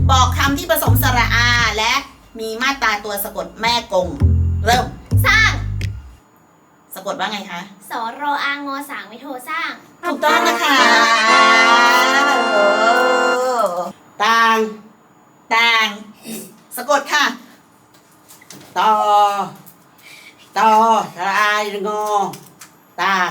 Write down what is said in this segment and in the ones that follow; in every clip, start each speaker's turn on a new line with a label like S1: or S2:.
S1: บอกคำที่ผสมสระอาและมีมาตราตัวสะกดแม่กงเริ่ม
S2: สร้าง
S1: สะกดว่าไงคะ
S2: สรอางอสางไม่โทสร้าง
S1: ถูกต้องนะคะ
S3: ต่าง
S1: สะกดค่ะ
S3: ต่อสระอางอต่าง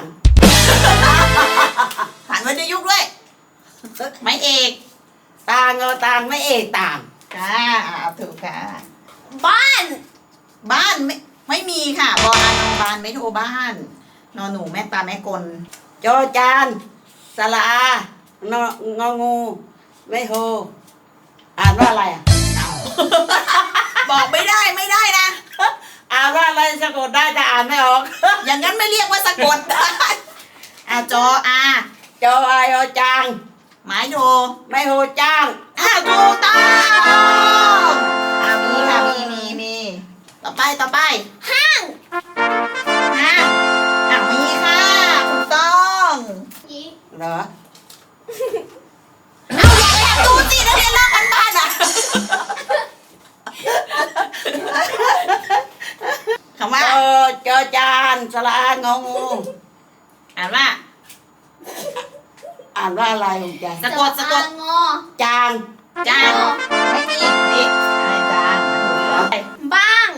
S1: ผ่านวรรณยุกต์ด้วยไม่เอก
S3: ต่างต่างไม่เอกต่าง
S1: ค่ะถูกค่ะ
S2: บ้าน
S1: ไม่มีค่ะบอนอนบานไม่โทบ้านนอนหนูแม่ตาแม่กล
S3: จอจานสระอางองูไม่โทอ่านว่าอะไรอ่ะ
S1: บอกไม่ได้นะ
S3: อ่านว่าอะไรสะกดได้แต่อ่านไม่ออก
S1: อย่างนั้นไม่เรียกว่าสะกดจออา
S3: จออายอจาง
S1: หมายโท
S3: ไม่โทจ้าง
S1: ถูกต้องมีค่ะมีต่อไป
S2: ห้าง
S1: มีค่ะถูกต้อง
S3: เหรอ
S1: อยากดูสินักเรียนลอกกันบ้านอ่ะคำว่า
S3: จอจานสระอางองู
S1: อ่านว่า
S3: อะไรของใจ
S1: สะกด
S2: งอ
S3: จาง
S1: ไม่มีนี่จาง
S2: บ้าง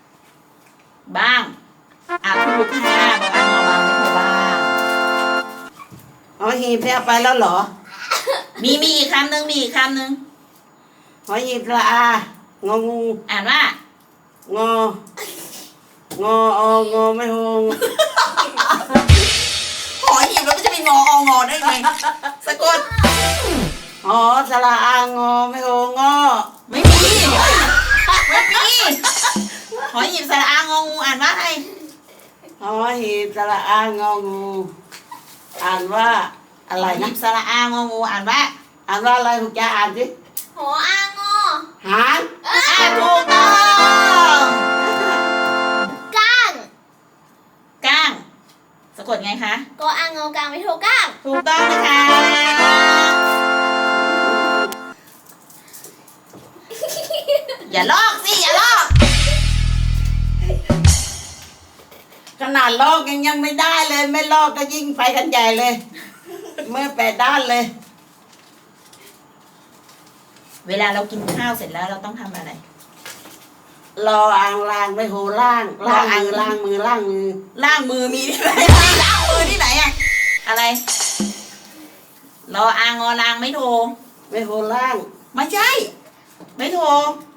S1: ถูกค่ะบอกอ่านงอบางไม่ถูกบ้าง
S3: หอหีบเนี่ยไปแล้วเหรอ
S1: มีอีกคำหนึ่ง
S3: หอหีบสระอางองู
S1: อ่านว่าง
S3: อไม่โหง
S1: หอหีบแล้วมันจะมีงอได้ไงสะกด
S3: หอสระอางอไม่โหง
S1: ไม่มีหอหีบสระอางองูอ่านว่าไง
S3: หอหีบสระอางองูอ่านว่าอะไรนะ
S1: สระอางองูอ่านว่า
S3: อะไรคุณจะอ่านสิ
S2: หออางอ
S3: หาง
S1: ถูกต้องก้างสะกดไงคะ
S2: กออางอกลางไม่โทก้าง
S1: ถูกต้องนะคะอย่าลอก
S3: ขนาดลอกยังไม่ได้เลยไม่ลอกก็ยิ่งไปกันใหญ่เลยเมื่อ8 ด้านเลย
S1: เวลาเรากินข้าวเสร็จแล้วเราต้องทำอะไร
S3: รออ่างล้างไม่โหล้างมือ
S1: ล้างมือมีที่ไหนล้างมือที่ไหนอะอะไรรออ่างอล้างไม่โท
S3: ล้าง
S1: ไม่ใช่ไม่โท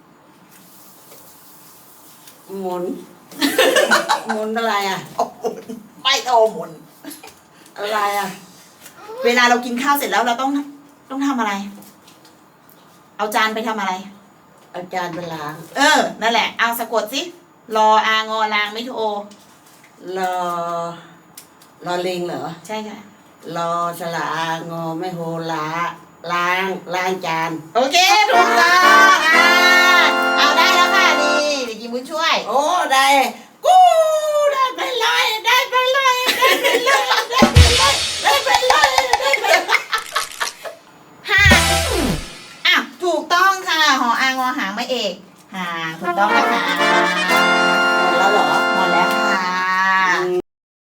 S3: หมุนอะไรอ่ะ
S1: ไม่โทหมุน
S3: อะไรอ่ะ
S1: เวลาเรากินข้าวเสร็จแล้วเราต้องทำอะไรเอาจานไปทำอะไร
S3: เอาจานไปล้าง
S1: นั่นแหละเอาสะกดสิรออางอล้างไม่โท
S3: รอลิงเหรอ
S1: ใช่ค่ะ
S3: รอสระอางอไม่โหล้างจาน
S1: โอเคถูกต้องเอาได้แล้วค่ะดีเดี๋ยวยิ้มช่วย
S3: โอ้ได้กูได้ไปเลย
S1: ห่างถูกต้องค่ะหออางอหางไม่เอกห่างถูกต้องนะคะ